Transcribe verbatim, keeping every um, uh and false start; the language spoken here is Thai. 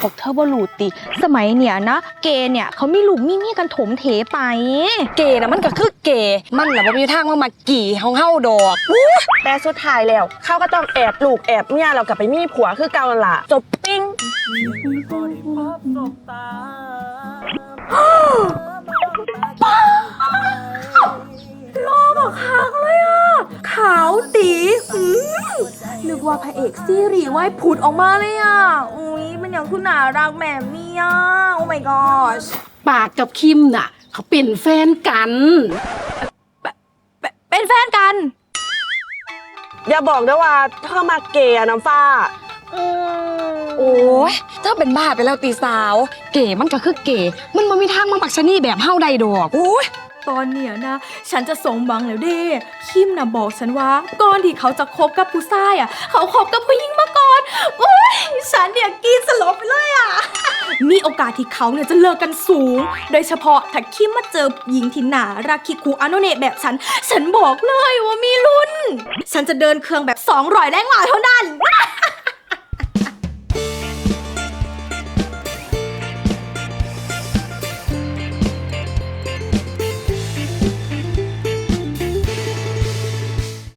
วกเธอบ่รู้ติสมัยเนี่ยนะเกย์เนี่ยเขามีลูกมีเมียกันถมเถไปเกย์นะมันก็คือเกย์มันน่ะบ่มีทางมามากี่เฮาเฮาดอกแต่สุดท้ายแล้วเขาก็ต้องแอบลูกแอบเมียเรากลับไปมีผัวคือเก่าล่ะจบปิ้งรอบอกหางเลยอ่ะขาวตีนึกว่าพระเอกซีรีส์ว่ายผุดออกมาเลยอ่ะอุ้ยมันยังคุณน่ารักแม่เมียโอ้ my gosh ปากกับคิมน่ะเขาเป็นแฟนกันเป็นแฟนกันอย่าบอกนะว่าเธอมาเกย์น้ำฟ้าโอ้ยเธอเป็นบ้าไปแล้วตีสาวเกย์มันก็คือเกย์มันบ่มีทางมาปักชะนีแบบเฮาได้ดอกโอ้ยตอนเนี้ยนะฉันจะสมหวังแล้วเด้คิมนะบอกฉันว่าก่อนที่เขาจะคบกับผู้ชายอ่ะเขาคบกับผู้หญิงมาก่อนโอ้ยฉันเนี่ยกินสลบไปเลยอ่ะ มีโอกาสที่เขาเนี่ยจะเลิกกันสูงโดยเฉพาะถ้าคิมมาเจอหญิงที่น่ารักคิคูอาโนเนะแบบฉันฉันบอกเลยว่ามีลุ้นฉันจะเดินเครื่องแบบสองร้อยแรงหมาเท่านั้น